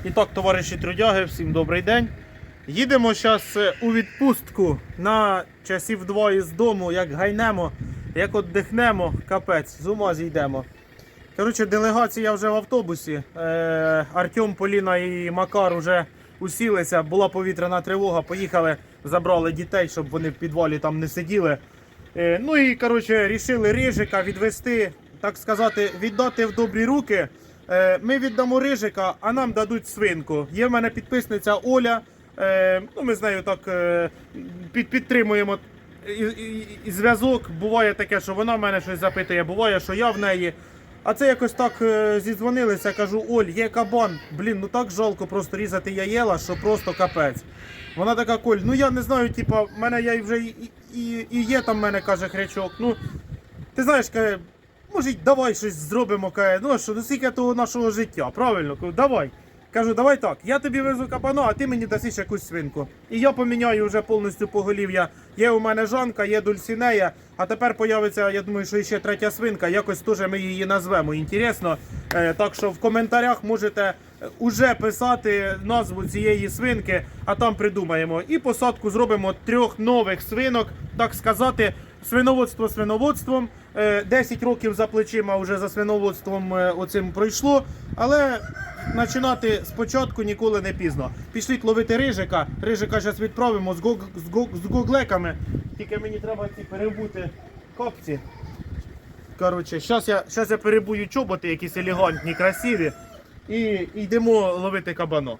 І так, товариші трудяги, всім добрий день. Їдемо зараз у відпустку на часів 2 із дому, як гайнемо, як віддихнемо, капець, з ума зійдемо. Коротше, делегація вже в автобусі. Артем, Поліна і Макар вже усілися, була повітряна тривога, поїхали, забрали дітей, щоб вони в підвалі там не сиділи. Ну і, коротше, рішили Рижика відвести, так сказати, віддати в добрі руки. Ми віддамо Рижика, а нам дадуть свинку. Є в мене підписниця Оля, ну ми з нею так підтримуємо і зв'язок. Буває таке, що вона в мене щось запитує, буває, що я в неї. А це якось так зідзвонилися, кажу: Оль, є кабан, блін, ну так жалко просто різати яєла, що просто капець. Вона така: Коль, ну я не знаю, типа, в мене я вже і є там в мене, каже, хрячок. Ну, ти знаєш, каже, може, давай щось зробимо, каже, ну що, ну скільки того нашого життя, правильно? Кажу, давай. Кажу, давай так, я тобі везу кабана, а ти мені дасиш якусь свинку. І я поміняю вже повністю поголів'я. Є у мене Жанка, є Дульсінея, а тепер появиться, я думаю, що ще третя свинка, якось теж ми її назвемо, інтересно. Так що в коментарях можете уже писати назву цієї свинки, а там придумаємо. І посадку зробимо 3 нових свинок, так сказати, свиноводство свиноводством. 10 років за плечима вже за свиноводством оцим пройшло, але починати спочатку ніколи не пізно. Пішліть ловити Рижика. Рижика зараз відправимо з гоглеками. Тільки мені треба ці перебути капці. Коротше, зараз я перебую чоботи, якісь елегантні, красиві. І йдемо ловити кабана.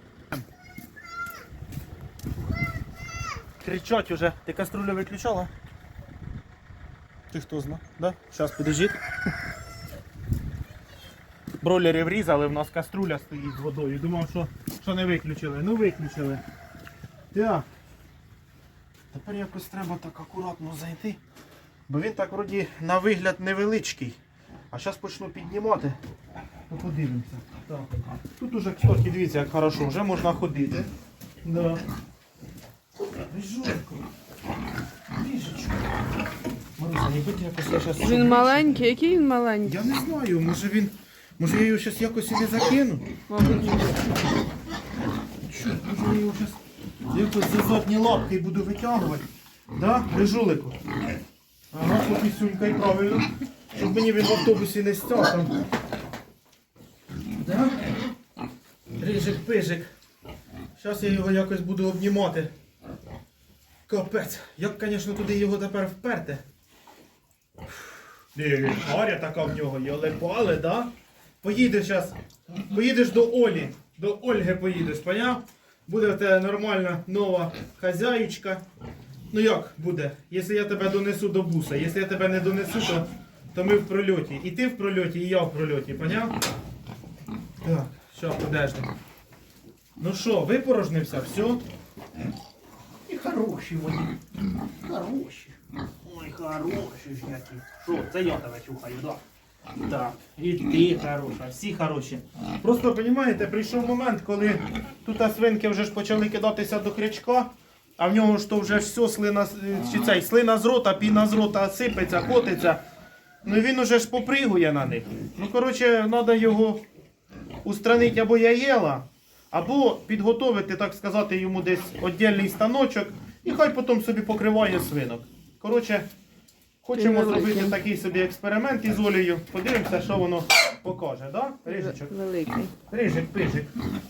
Кричать уже. Ти каструлю виключала? Ти хто зна? Да? Зараз, підождіть. Бройлери врізали, в нас каструля стоїть з водою. Думав, що не виключили. Ну виключили. Так. Тепер якось треба так акуратно зайти. Бо він так вроді на вигляд невеличкий. А зараз почну піднімати. Ну подивимося. Так. Тут уже, кстати, дивіться, як хорошо, вже можна ходити. Да. Рижулько. Рижечко. Маруся, не будь якось я зараз... Він маленький, який він маленький? Я не знаю, може я його зараз якось і не закину? Мабуть. Що, може я його зараз якось за задні лапки буду витягувати? Да, Рижулику? Ага, попісюнькай, правильно. Щоб мені він в автобусі не стяг там. Да? Рижик-пижик. Зараз я його якось буду обнімати. Капець. Як, звісно, туди його тепер вперти. Харя така в нього, йоле-пале, да? Поїдеш зараз, поїдеш до Олі, до Ольги поїдеш, поняв? Буде в тебе нормальна нова хазяїчка. Ну як буде? Якщо я тебе донесу до буса, якщо я тебе не донесу, то ми в прольоті. І ти в прольоті, і я в прольоті, поняв? Так, що, подожди. Ну що, випорожнився, все? І хороші вони. Хороші. Ой, хороші ж які. Що, це я тебе чухаю, да? Так, і ти хороша, всі хороші. Просто, розумієте, прийшов момент, коли тут свинки вже ж почали кидатися до крячка, а в нього ж то вже все слина з рота, піна з рота сипеться, котиться. Ну і він уже ж попригує на них. Ну, коротше, треба його устранити або яєла, або підготовити, так сказати, йому десь віддільний станочок, і хай потім собі покриває свинок. Коротше, хочемо зробити такий собі експеримент із Олею. Подивимося, що воно покаже, да? Рижичок? Великий. Рижик-пижик.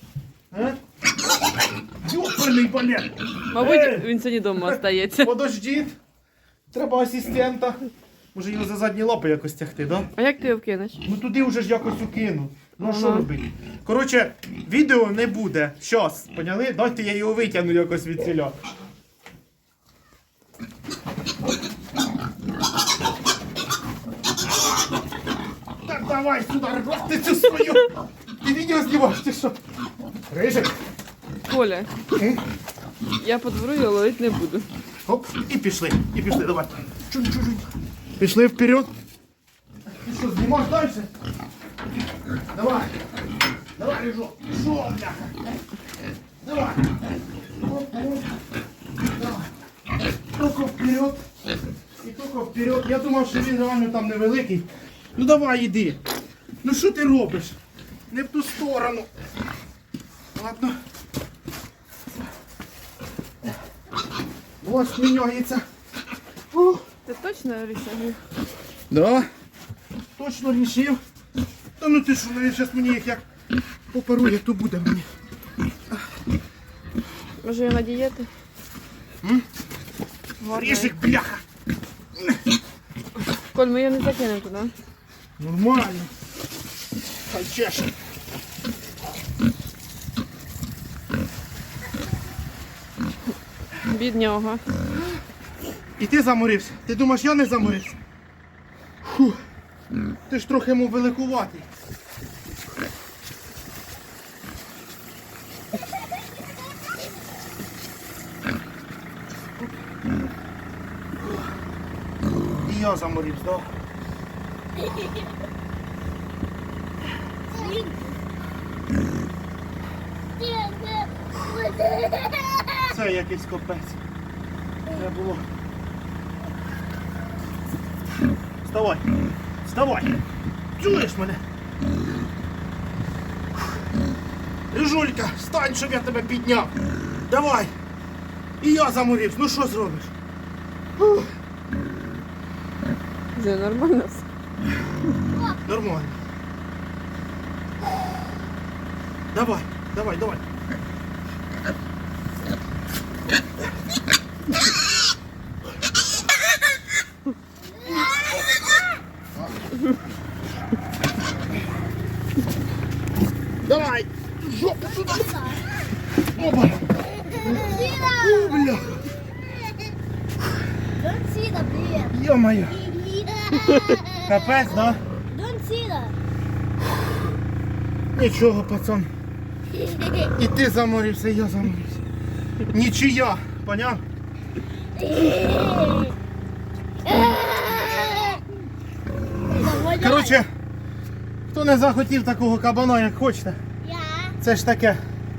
Ёперний балет! Мабуть, він сьогодні вдома остається. Подождіть. Треба асистента. Може його за задні лапи якось тягти, да? А як ти його вкинеш? Ну туди вже ж якось укину. Ну а що Ага. робити? Коротше, відео не буде. Щас, поняли? Дайте я його витягну якось від ціля. Так давай сюди, рвати цю свою. Ти відео знімаєш, ти що? Рижик. Коля, я по двору його ловити не буду. Оп, і пішли, давай. Чуть-чуть. Пішли вперед. Ти що, знімаєш далі? Давай. Давай, Рижок. Що, бляха? Давай. Оп, оп. Давай. Тільки вперед. І тільки вперед. Я думав, що він реально там невеликий. Ну давай, іди. Ну що ти робиш? Не в ту сторону. Ладно. Ось міняється. О, Ти точно рішив? да. Точно рішив. Та ну ти що, зараз мені їх як попарує, то буде мені. Може я на дієту? Ріжик, бляха. Коль, ми її не закинемо туди. Нормально. Хай чеше. Біднього. І ти заморився. Ти думаєш, я не заморився? Фу. Ти ж трохи йому великуватий. І я заморився, так? Це якийсь капець. Це було. Вставай! Вставай! Чуєш мене? Рижулька, встань, щоб я тебе підняв. Давай! І я заморився. Ну що зробиш? Фух. Це нормально все. Нормально. Давай, давай, давай. Давай! Жопу сюда! Опа! О, бля! Don't see the beer. Ё-моё! Капець, да? Don't see that. Нічого, пацан. І ти заморився, і я заморився. Нічия, поняв? Коротше, хто не захотів такого кабана, як хочете, Я. це ж таке.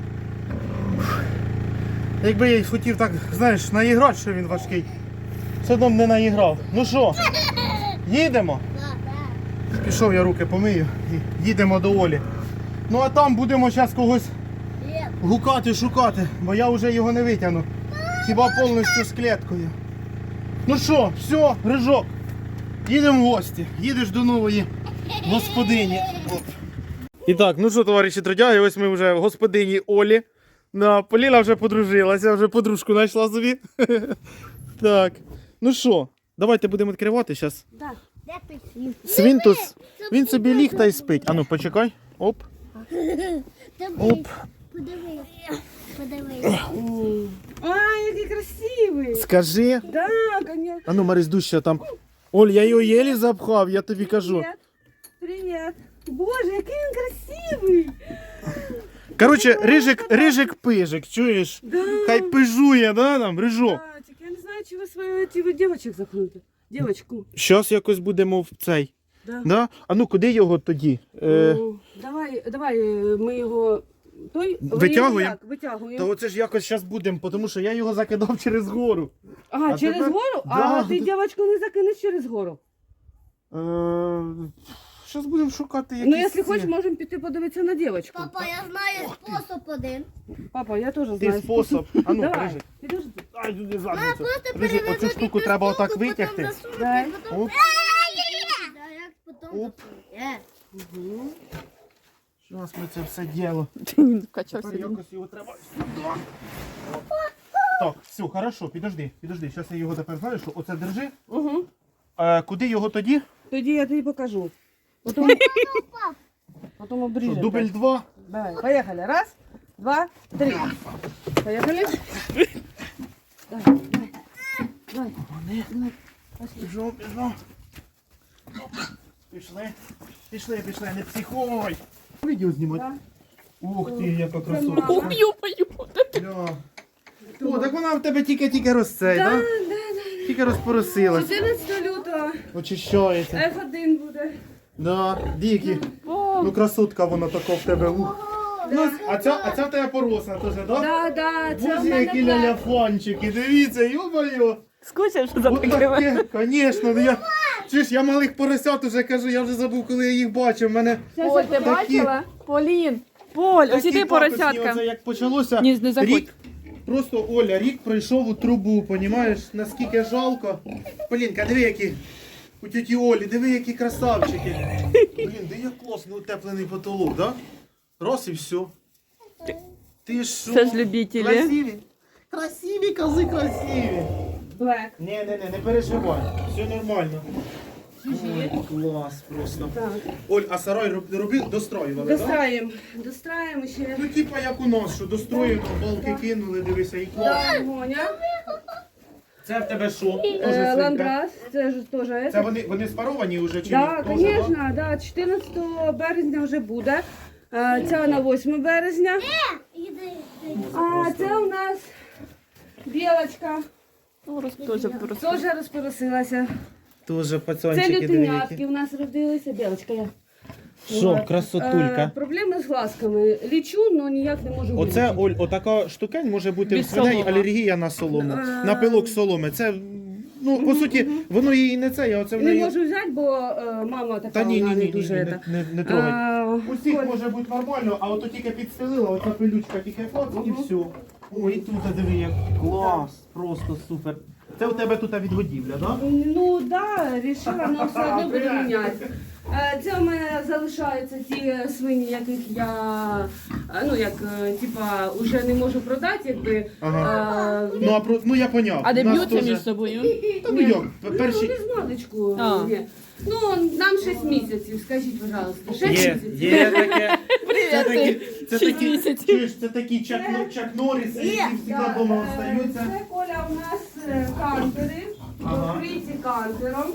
Якби я й хотів так, знаєш, наіграти, що він важкий, все одно б не наіграв. Ну що, їдемо? Пішов я руки помию і їдемо до Олі. Ну а там будемо зараз когось гукати, шукати, бо я вже його не витягну. Хіба повністю з клеткою. Ну що, все, Рижок, їдемо в гості. Їдеш до нової господині. Оп. І так, ну що, товариші трудяги, ось ми вже в господині Олі. Поліна вже подружилася, вже подружку знайшла собі. Так, ну що, давайте будемо відкривати зараз. Де писів? Свинтус, він собі ліг та й спить. Ану, почекай. Оп. Оп. Подивись. Подивись. Ай, який красивий! Скажи. Да, конечно. Ану, Марись, дужче там. Оль, я його єлі запхав, я тобі кажу. Привіт. Боже, який він красивий! Коротше, рижик-пижик, чуєш? Да. Хай пижує, да, там, рижок. Татик, я не знаю, чи ви свою ті дівчинок запхнути. Дівчинку. Щас якось будемо в цей. Да. Да? А ну, куди його тоді? Давай, ми його Витягуємо? як? Витягуємо. Та оце ж якось зараз будемо, тому що я його закидав через гору. А, через тепер- гору? Да. А ти дівчинку не закинеш через гору? Зараз будемо шукати якісь... Ну, якщо ці. хочеш, можемо піти подивитися на дівчинку. Папа, я знаю спосіб один. Папа, я теж Ти знаю. спосіб. А ну, Давай, Рижик. підожди. Ай, туди Мама, задницю. просто Рижик, оцю перевернути штуку треба отак витягти. Дай. Оп. Да, як потім Оп. засунути. Зараз ми це все діло. Він вкачався. Тепер якось його треба сюди. Так, все, хорошо, підожди. Зараз я його тепер, знаєш, що оце держи. Угу. Куди його тоді? Тоді я тобі покажу. Потім Що, обріжемо. дубль 2. Давай, поехали. Раз, два, три. Поехали. Давай, давай. Давай. Біжом. Пішли, не психуй. Відео знімати. Да. Ух ти, яка красота. мама. Бля. О, так вона в тебе тільки росте, да? Тільки розпоросилась. 14 лютого Очищається. F1 буде. Да, Дікі. Ну красотка вона така в тебе. Ух. А ця в тебе поросна теж, да? Да, це в Боже, які мене ляляфончики, дивіться, йо-моє. Скучив, що От таке, звісно, ну я... Чуєш, я малих поросят уже кажу, я вже забув, коли я їх бачив. Мене Ой, ти такі- бачила? Полін, Поль, ось Такі іди пакосні, поросятка. оце як почалося, Ні, не заходь. рік, просто Оля, рік пройшов у трубу, понімаєш, наскільки жалко. Полінка, диви, які у тіті Олі, диви, які красавчики. Блін, де як класно утеплений потолок, да? Раз і все. Ти що? Це ж любителі. Красиві? Красиві, кози, красиві. Блек. Не переживай, все нормально. Ой, клас просто. Оль, а сарай достроювали, так? Достраємо. Достраємо ще. Ну, типа як у нас, що достроєно, балки кинули, дивися, і клас. Да, Гоня. Це в тебе що? Тоже свинка? Ландрас, це ж теж. Це вони спаровані вже чи Так, ні? звісно, да, 14 березня вже буде. Ця на 8 березня. Іди. А це у нас білочка. Ну, теж просто. Теж розпоросилася. Тоже Це пацанчики лютенятки у нас родилися. Білочка я. Що, От. красотулька. Проблеми з глазками. Лічу, але ніяк не можу Оце, вилічити. Оль, отака штукень може бути Без в свиней соломи. алергія на солому, на пилок соломи. Це, ну, по суті, воно її не це, а оце в Не неї... можу взяти, бо мама така Та ні, вона ні, не ні, дуже. ні, не трогай. А, Усіх Коль, може бути нормально, а ото тільки підстелила, оця пилючка тільки клац і все. Ой, і тут, диви, як клас, просто супер. Це у тебе тут відгодівля, так? Да? Ну да, рішила, але все одно буду міняти. Це у мене залишаються ті свині, яких я ну як типа вже не можу продати, якби. Ага. Ну я поняв. А де У нас б'ються теж- між собою? Та ну як, Ну, перші... без маличку. А. Ні. Ну, нам 6 місяців, скажіть, пожалуйста. 6 місяців. Є таке. Привіт, Це шість такі, місяців. чуєш, це такі Чак Норріси, які завжди Да, вдома остаються. Це Коля у нас кантери, Ага. покриті кантером.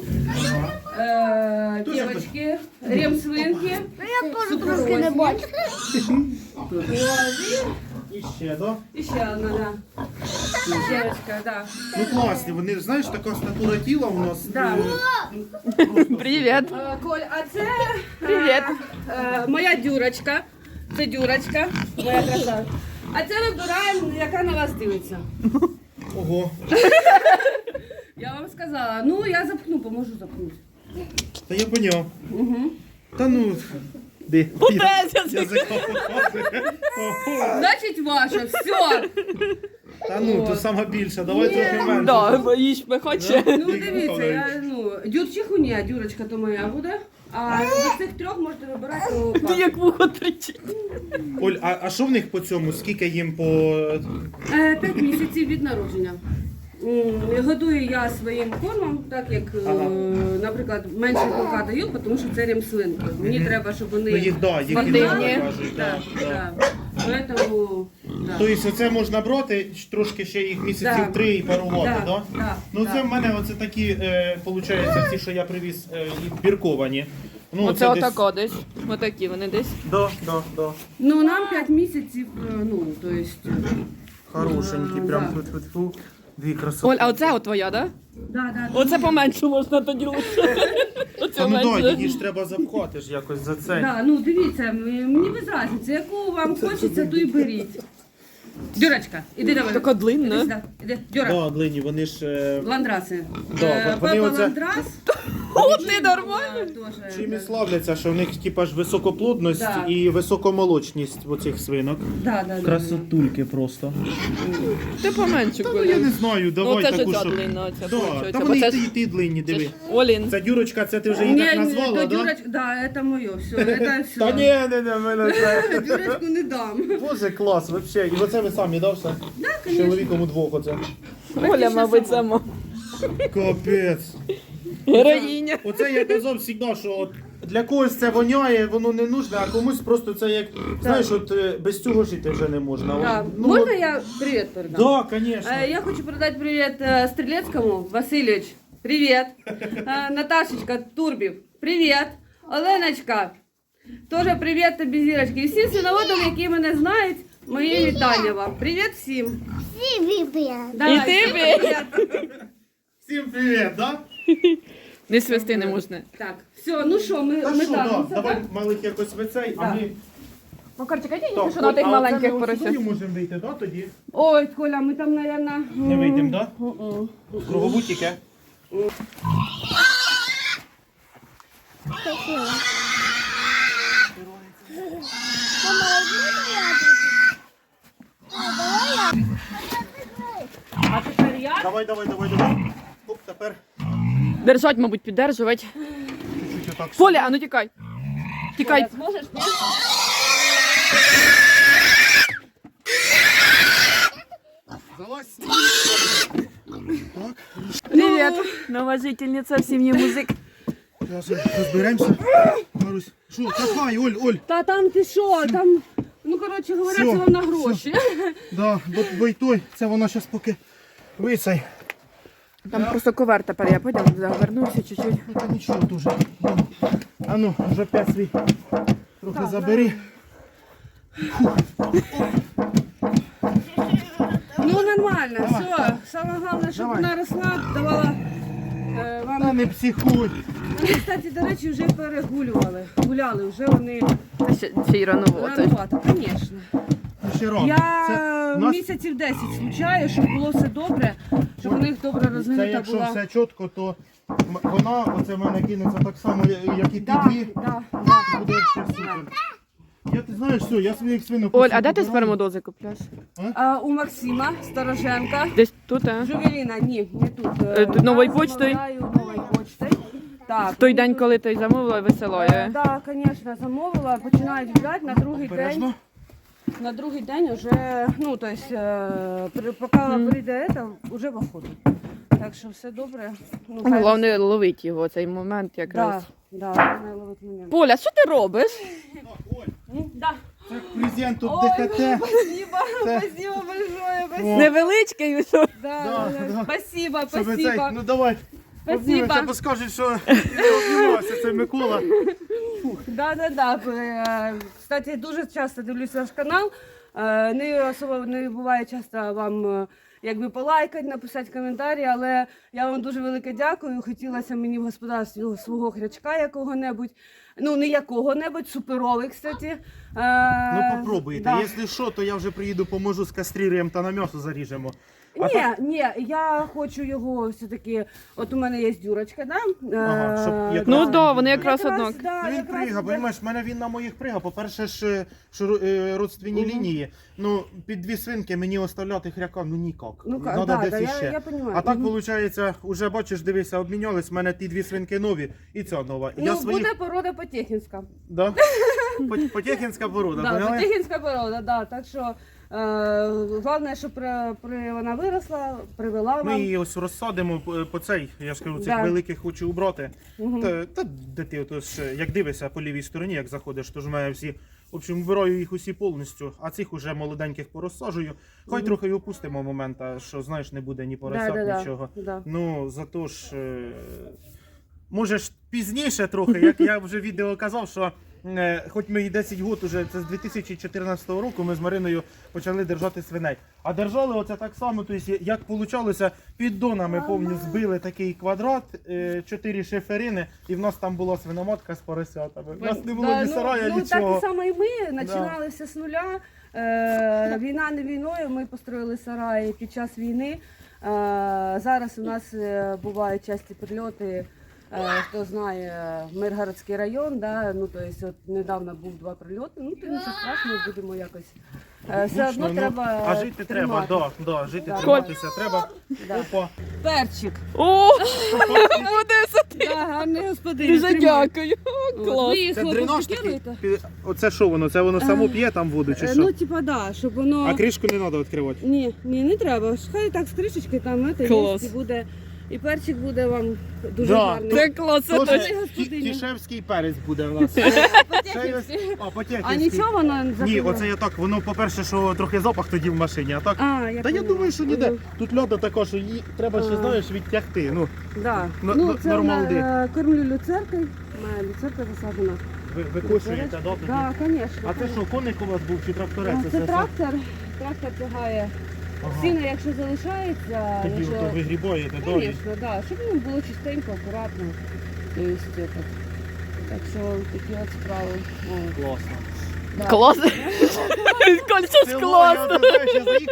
Дуже Дівочки, ремсвинки. Я теж трошки не бачу. І ще, да? І ще одна, да. Дівчинка, да. Ну класні, вони, знаєш, така статура тіла у нас. Да. Просто Привіт. Коль, а це Привіт. моя дюрочка. Це дюрочка, моя краса. А це вибираємо, яка на вас дивиться. Ого. Я вам сказала, ну я запхну, поможу запхнути. Та я поняв. Угу. Та ну. Де? Утеться. Язика показує. Значить ваша, все. Та ну, то сама більша, давай трохи менше. Да, боїш, хоче. Ну дивіться, я дюрчиху ні, дюрочка то моя буде. А з цих трьох можете вибирати. Ти як вухо тричить. Оль, а що в них по цьому? Скільки їм по... 5 місяців від народження. Годую я своїм кормом, так як, наприклад, менше білка даю, тому що це ремслинки. Мені треба, щоб вони Ну їх, да, їх Спортивні. інакше кажуть, да, да. Поэтому, да. Тобто це можна брати, трошки ще їх місяців Да. 3 і парувати, Да, да? да, Ну да. це в мене оце такі, виходить, ті, що я привіз, і бірковані. Ну, Оце отако десь. Отакі вони десь. Да. Ну, нам 5 місяців, ну, то есть... Хорошенькі, Да, прям да. фу-фу-фу. Дві красоти. Оль, а оце от твоя, да? Да. Оце поменше можна тоді лучше. Оце Та ну да, менше. її ж треба запхати ж якось за це. Да, ну дивіться, мені без разниці, яку вам хочеться, ту й беріть. Дюрочка, іди давай. Така длинна. Іди сюди, іди, Дюра. Да, длинні, вони ж... Ландраси. Да, вони Пепа оце- Ландрас. О, ти нормально? Тоже. Чим і славляться, що в них типа ж високоплодність Да. і високомолочність в оцих свинок. Да. Красотульки просто. Ти поменше, Та ну я Коля. не знаю, Ну, давай це ж таку, ця що... длинна, оця, Да, получається. та Бо вони це і ж- ті, і ті длинні, Це диви. ж Олін. Ця дюрочка, це ти вже її так назвала, да? Дюрочка, да, это моє, все, это все. Та ні, мене це... Дюрочку не дам. Боже, клас, вообще. І оце ви самі, да, все? Да, З конечно. чоловіком удвох оце. Оля, мабуть, сама. Капець. Героїня. Оце я казав завжди, що от для когось це воняє, воно не нужне, а комусь просто це як, знаєш, от без цього жити вже не можна. Да. Ну, Можна я привет передам? Да, конечно. Я хочу передать привет Стрелецкому. Васильевич, привет. Наташечка Турбів, привет. Оленочка, тоже привет тобі, зірочки. І всім синоводам, які мене знають, мої вітання вам. Привіт всім. Всі вибір. Давай, І ти привіт. Всім привіт, да? Не свисти не можна. Так, все, ну що, ми Та що, да, так. давай малих якось вицей, а Да. ми... Макарчик, а Так, я що на тих а маленьких оце ми поросят. сюди можемо вийти, да, тоді? Ой, Коля, ми там, наверное... Не вийдемо, да? Кругову тільки. А тепер я? Давай. Оп, тепер Держать, мабуть, піддержувати. чуть-чуть отак. Поля, а ну тікай. Тікай. Коля, зможеш, ні? Залазь. Привіт. Нова жительниця в сім'ї музик. Зараз розберемося. Марусь. Що, копай, Оль. Та там ти що, там, ну коротше говоря, Всьо, це вам на гроші. Да, бо й той, це вона зараз поки висай. Там просто ковер тепер, я потім завернуся чуть-чуть. Ну, та нічого дуже. А ну, вже п'ять свій трохи забери. Ну нормально, все. Саме головне, щоб Давай. вона росла, давала Та вам. не психуй. Вони, кстати, до речі, вже перегулювали. Гуляли, вже вони Ще й рановато. рановато, звісно. Ще рано. Я Це нас- місяців 10 случаю, щоб було все добре, щоб у них добре Це розвинута якщо була. все чітко, то вона оце в мене кинеться так само, як і ті Да, дві. да. Буде ще супер. Я, ти знаєш, все, я своїх свинок... Оль, а де ти спермодози купляєш? У Максима Стороженка. Десь тут, а? Жувеліна, ні, не тут. Тут новою Я почтою? замовляю новою почтою. Так. В той день, коли ти замовила, висилає. Так, звісно, замовила. Починають гуляти на другий день. Обережно. На другий день вже, ну, то есть, поки прийде це, вже в охоту. Так що все добре. Ну, хай- Головне ловити його цей момент якраз. Да, головне ловити момент. Поля, що ти робиш? Да. Це презент тут Ой, ДКТ. спасибо, Це- спасибо большое, спасибо. О. Невеличкий, що? Да, Да, да, да. Спасибо, Щоб цей, спасибо. ну давай. Спасибо. Обнімемося, бо скажуть, що не обнімався, це Микола. Да. Кстати, дуже часто дивлюсь ваш канал. Не особо не буває часто вам якби полайкати, написати коментарі, але я вам дуже велике дякую. Хотілося мені в господарстві свого хрячка якого-небудь. Ну, не якого-небудь, суперовий, кстати. Ну попробуйте. Да. Якщо що, то я вже приїду, поможу з кастріруємо та на м'ясо заріжемо. А Ні, я хочу його все-таки. От у мене є дюрочка, да? Ага, щоб якраз- Ну да, вони якраз однак. Да, Ну, він якраз прига, для- розумієш, в мене він на моїх прига. По-перше, ж родственні лінії. Ну, під дві свинки мені оставляти хряка, ну ніяк. Ну, Надо да, десь да, іще. я понимаю. А так, Мгм. виходить, уже бачиш, дивися, обмінялись, в мене ті дві свинки нові і ця нова. Ну, Я своїх... буде порода потехінська. Да? Потехінська порода, Да, поняли? потехінська порода, да. Так що головне, щоб вона виросла, привела Ми вам. її ось розсадимо по цей, я ж кажу, цих Да. великих хочу убрати. Мгм. Та де ти отож, як дивишся по лівій стороні, як заходиш, то ж в мене всі, в общем, вбираю їх усі повністю, а цих уже молоденьких порозсаджую. Хай трохи й опустимо момент, що знаєш, не буде ні поросят, нічого. Да. Ну, зато ж, може ж пізніше трохи, як я вже в відео казав, що хоч ми і 10 років, уже, це з 2014 року ми з Мариною почали держати свиней. А держали оце так само, тобто, як вийшло, піддонами повні збили такий квадрат, 4 шиферини, і в нас там була свиноматка з поросятами. У нас не було Да, ні сарая, ну, так нічого. і само і ми починали все з нуля. Війна не війною, ми построїли сараї під час війни. Зараз у нас бувають часті прильоти. Хто знає, Миргородський район, да, ну, то есть, от недавно був 2 прильоти, ну то нічого страшного, будемо якось. Все одно Ну, треба. а жити треба, тримати. да, жити Да. триматися треба. Да. Опа. Перчик. О, Одеса, ти. Да, гарний господин. Дуже тримай. дякую. От, Клас. ви їх Це хлопці дренажник. керуєте? Оце що воно? Це воно само п'є там воду чи що? Ну, типа, да, щоб воно. А кришку не треба відкривати. Ні, не треба. Хай так з кришечки там це Клас. є, і буде. І перчик буде вам дуже Да, гарний. Це клас, це Тоже точно. господиня. Тішевський перець буде в нас. Потехівський. А, потехівський. А нічого воно не Ні, закриває? оце я так, воно, по-перше, що трохи запах тоді в машині, а так. А, я Та я поняла. думаю, що ніде. Мгм. Тут льода така, що її треба ще, А. знаєш, відтягти. Ну, Да. Ну, Ну, це нормалди. кормлю люцеркою. Моя люцерка засаджена. ви кошуєте, да, тоді? Так, звісно. А це що, коник у вас був чи тракторець? Це трактор. Трактор тягає. Ага. Сіно, якщо залишається, Тоді якщо... ото вигрібаєте, да? і- Звісно, да. Щоб ну, було чистенько, акуратно. То есть, это. Так що такі от справи. О. Класно. Да. Клас. Коль, це ж Село, класно. я, ти знаєш, я заїхав, А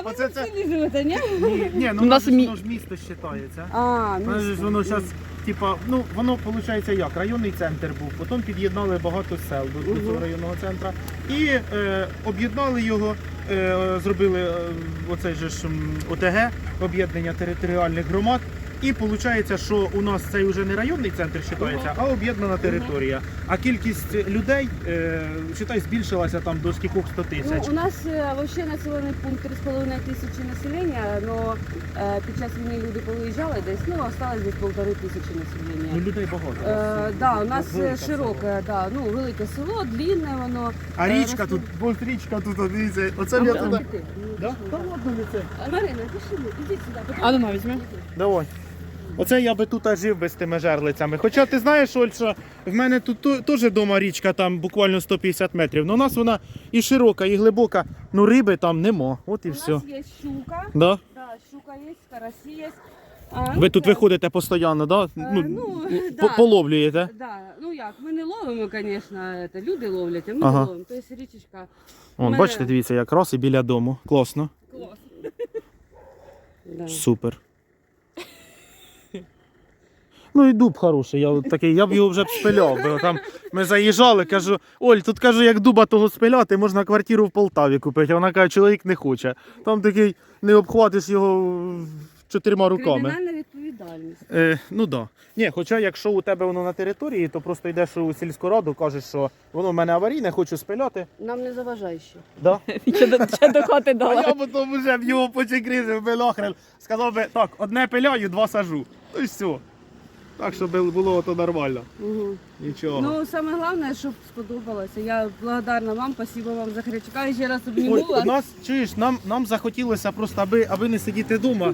Оце це. Селі живете, ні? Ні, ну У нас воно ж місто вважається. Воно ж воно зараз, типа, ну воно виходить як, районний центр був, потім під'єднали багато сел до цього районного центру і об'єднали його, зробили оцей же ж ОТГ, об'єднання територіальних громад. І виходить, що у нас це вже не районний центр вважається, а об'єднана територія. А кількість людей, вважай, збільшилася там до скількох 100 тисяч. Ну, у нас взагалі населений пункт 3,5 тисячі населення, але під час війни люди повиїжджали десь, ну, осталось десь 1,5 тисячі Ну, населення. людей багато. Да, у нас велике широке, да, ну, велике село, длинне воно. А річка тут, бо річка тут, дивіться, оце я туди. Да? Та ладно не це. Марина, пішли, ідіть сюди. А ну, візьми. Давай. Оце я би тут жив без тими жерлицями. Хоча ти знаєш, Оль, що в мене тут теж вдома річка, там буквально 150 метрів. Ну у нас вона і широка, і глибока, ну риби там нема. От і У все. нас є щука, Да? да, щука є, карасі є. Ви тут виходите постійно, да? да. Половлюєте? Да, ну як, ми не ловимо, звісно, люди ловлять, а ми Ага. не ловимо. Тобто річечка. Вон, Ми- бачите, дивіться, якраз і біля дому. Класно. Клас. Да. Супер. Ну і дуб хороший, я от такий, я б його вже б спиляв. Бо там ми заїжджали, кажу, Оль, тут кажу, як дуба того спиляти, можна квартиру в Полтаві купити. А вона каже, чоловік не хоче. Там такий, не обхватиш його 4 руками. Кримінальна відповідальність. Ну так. Да. Ні, хоча якщо у тебе воно на території, то просто йдеш у сільську раду, кажеш, що воно в мене аварійне, хочу спиляти. Нам не заважає ще. Да? Ще до хати А дала. я потім вже б його почекризив би лохрен. Сказав би, так, одне пиляю, 2 сажу. Ну і все. Так, щоб було то нормально. Угу. Нічого. Ну, саме головне, щоб сподобалося. Я благодарна вам, спасибо вам за хрячка. І ще раз Ой, обніму у вас. нас, чуєш, нам захотілося просто, аби не сидіти вдома.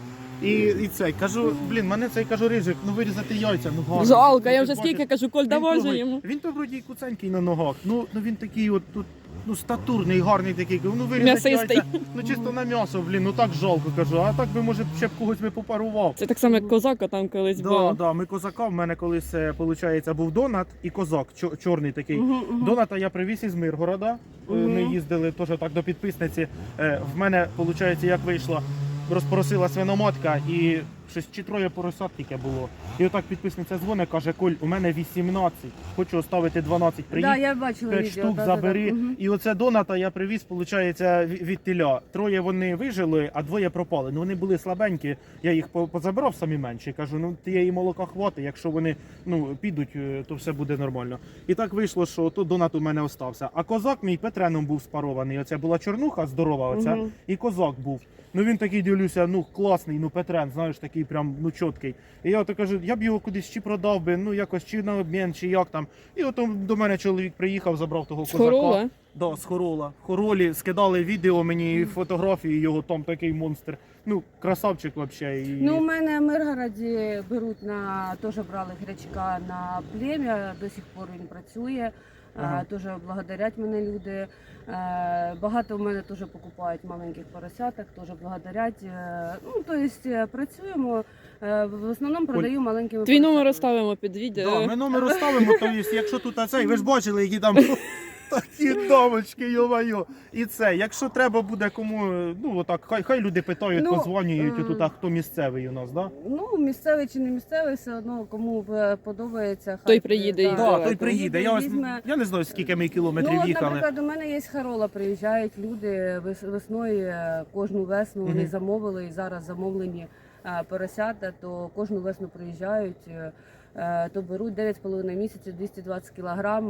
І цей, кажу, блін, мене цей, кажу, рижик, ну вирізати яйця, ну гарно. Жалко, я Ти вже бачиш, скільки кажу, Коль, він давай же того- йому. Він то вроді куценький на ногах, ну він такий от тут, ну статурний, гарний такий, ну вирізати М'ясистий. яйця, ну чисто на м'ясо, блін, ну так жалко, кажу, а так би, може, ще б когось би попарував. Це так само, як козака там колись Да, було. да, ми козака, в мене колись, виходить, був донат і козак, чорний такий. Мгм, мгм. Доната я привіз із Миргорода. Ми їздили теж так до підписниці. В мене, виходить, як вийшло, розпросила свиноматка і щось чи 3 поросят тільки було. І отак підписниця дзвонить, каже, Коль, у мене 18, хочу оставити 12, Да, приїдь. я бачила 5 відео. штук да-да-да. забери. Мгм. І оце доната я привіз, виходить, від теля. 3 вони вижили, а 2 пропали. Ну вони були слабенькі, я їх позабирав самі менші. Кажу, ну тієї молока хватить, якщо вони підуть, то все буде нормально. І так вийшло, що то донат у мене остався. А козак мій Петреном був спарований. Оце була чорнуха здорова, оця, Мгм. і козак був. Ну він такий, дивлюся, ну класний, ну Петрен, знаєш, такий прям ну чіткий. І я то кажу, я б його кудись чи продав би, ну якось чи на обмін, чи як там. І от до мене чоловік приїхав, забрав того козака. Хорола. Да, з Хорола. В Хоролі скидали відео мені і фотографії його, там такий монстр. Ну, красавчик взагалі. І... Ну, у мене в Миргороді беруть теж брали гречка на плем'я, до сих пор він працює. Ага. Теж благодарять мене люди. Багато в мене теж покупають маленьких поросяток, теж благодарять. Ну, тобто працюємо, в основному продаю маленькими Твій номер поросятками. оставимо під відео. Да, ми номер оставимо, то є, якщо тут цей, ви ж бачили, які там такі домочки, йо-майо. І це, якщо треба буде кому, ну отак, хай люди питають, Ну, подзвонюють, отут, а хто місцевий у нас, да? Ну, місцевий чи не місцевий, все одно кому подобається. Той приїде і Да, Давай, той приїде. візьме. Я не знаю, скільки ми кілометрів Ну, от, їхали. наприклад, у мене є Харола, приїжджають люди весною, кожну весну вони Мгм. замовили і зараз замовлені поросята, то кожну весну приїжджають, то беруть 9,5 місяців, 220 кілограм,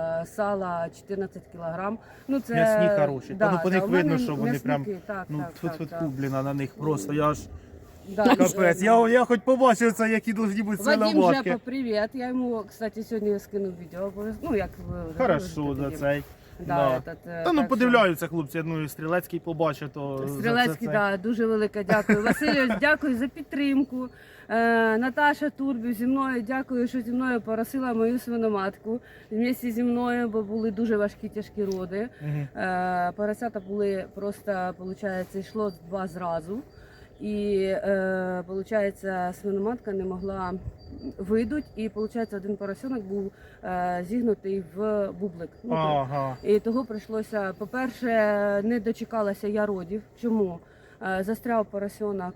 сала 14 кілограм. Ну, це, М'ясні хороші. Та ну, по них у мене видно, що вони прям, м'ясники, так, ну, так, тьфу-тьфу-тьфу, блін, а на них просто, я аж Да, капець. Я хоч побачив це, які должні бути Вадим свиноматки. Жепа, привіт. Я йому, кстати, сьогодні скинув відео. Ну, як ви Хорошо за цей. Да, Да. этот, Та ну так що- подивляються хлопці, ну і Стрілецький побачить, то Стрілецький, за це. да, дуже велике дякую. Васильович, дякую за підтримку. Наташа Турбів зі мною, дякую, що зі мною поросила мою свиноматку. Вместе зі мною, бо були дуже важкі тяжкі роди. Мгм. Поросята були просто, виходить, йшло 2 зразу. І виходить, свиноматка не могла видуть, і виходить, один поросенок був зігнутий в бублик. Ну, так. Ага. І того прийшлося, по-перше, не дочекалася я родів. Чому? Застряв поросенок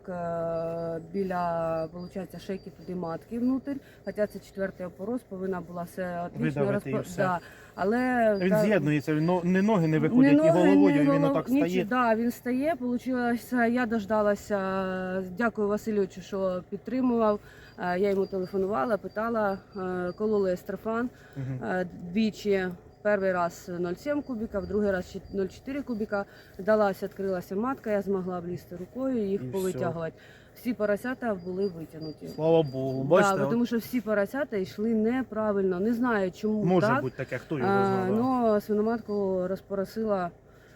біля, виходить, шейки туди матки внутрь, хоча це 4-й опороз, повинна була все отлично Видавити і все. Да. Але Він з'єднується, ні ноги не виходять, ні головою, і він отак стає. Да, він стає. Получилося, я дождалася, дякую Васильовичу, що підтримував. Я йому телефонувала, питала, кололи естрофан двічі. Перший раз 0,7 кубіка, в другий раз 0,4 кубіка. Вдалася, відкрилася матка, я змогла влізти рукою і їх І повитягувати. Всі поросята були витягнуті. Слава Богу, бачите, Да, тому що всі поросята йшли неправильно. Не знаю, чому може так. бути таке, хто його знає. да. Ну, свиноматку розпоросила.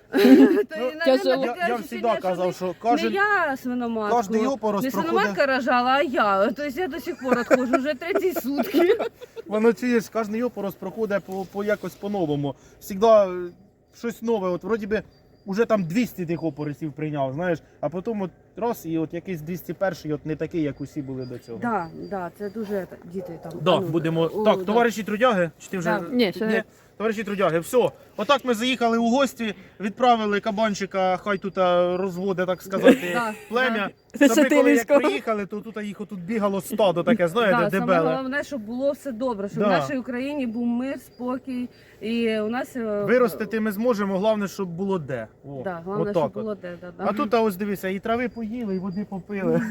Я завжди казав, що Не кожен я свиноматку, кожний опорос не проходить. свиноматка рожала, а я. Тобто я до сих пор відходжу, вже 3 сутки. Воно чуєш, кожний опорос проходить по якось по-новому. Всегда щось нове. От вроді би вже там 200 тих опоросів прийняв, знаєш, а потім от раз і от якийсь 201-й, от не такий, як усі були до цього. Да, це дуже діти там. Да, а ну, будемо. о, Так, да. товариші трудяги, чи ти вже Да. Ні, ще не. Товариші трудяги, все. Отак ми заїхали у гості, відправили кабанчика, хай тут розводе, так сказати, Да, плем'я. да. Та ми коли як Сатирівського. приїхали, то тут їх отут бігало стадо таке, знаєте, Да, саме дебеле. головне, щоб було все добре, щоб Да. в нашій Україні був мир, спокій. І у нас Виростити ми зможемо, головне, щоб було де. О, Да, головне, отак щоб от. було де. Да. А тут ось дивися, і трави поїли, і води попили.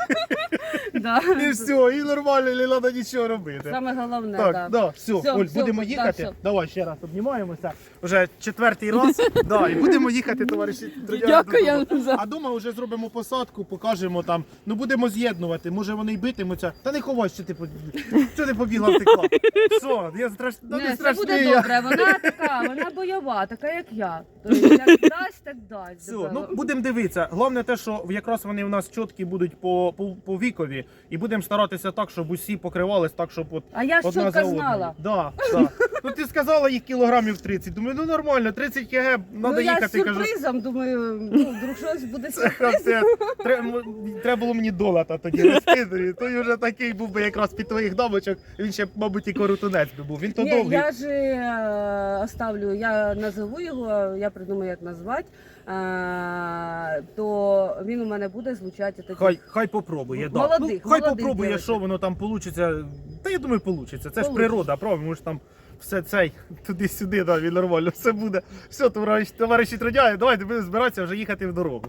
Да. І все, і нормально, не треба нічого робити. Саме головне, Так, да. да, все, Всьо, Оль, всьо, будемо да, їхати. всьо. Давай ще раз обнімаємося. Вже 4-й раз. Да, і будемо їхати, товариші. трудяги, Дякую додому. за- А дома вже зробимо посадку, покажемо там. Ну будемо з'єднувати. Може вони й битимуться. Та не ховай, що ти що ти побігла втекла. Все, я страшно. Не, це буде добре. Вона така, вона бойова, така як я. Тобто, як дасть, так дасть. Все, ну будемо дивитися. Головне те, що якраз вони в нас чіткі будуть по вікові, і будемо старатися так, щоб усі покривались так, щоб от А я ж одна за чітко одною. знала. Да, да. Ну ти сказала їх кілограмів 30. Думаю, ну нормально, 30 кг, треба Ну я з їхати. Кажу, сюрпризом, думаю, ну, вдруг щось буде це сюрприз. капець. Треба було мені долата тоді розкидати. Той вже такий був би якраз під твоїх дамочок. Він ще, мабуть, і коротунець би був. Він то Ні, довгий. я ж оставлю, я назову його, я придумаю, як назвати, то він у мене буде звучати тоді. Хай попробує. Да. Молодих, Ну, хай молодих попробує, дівчат. що воно там вийде. Та я думаю, вийде. Це ж Получиться. природа, правда? Ми ж там все цей туди-сюди, да, він нормально, все буде. Все, товариші трудяги, давайте будемо збиратися вже їхати в дорогу.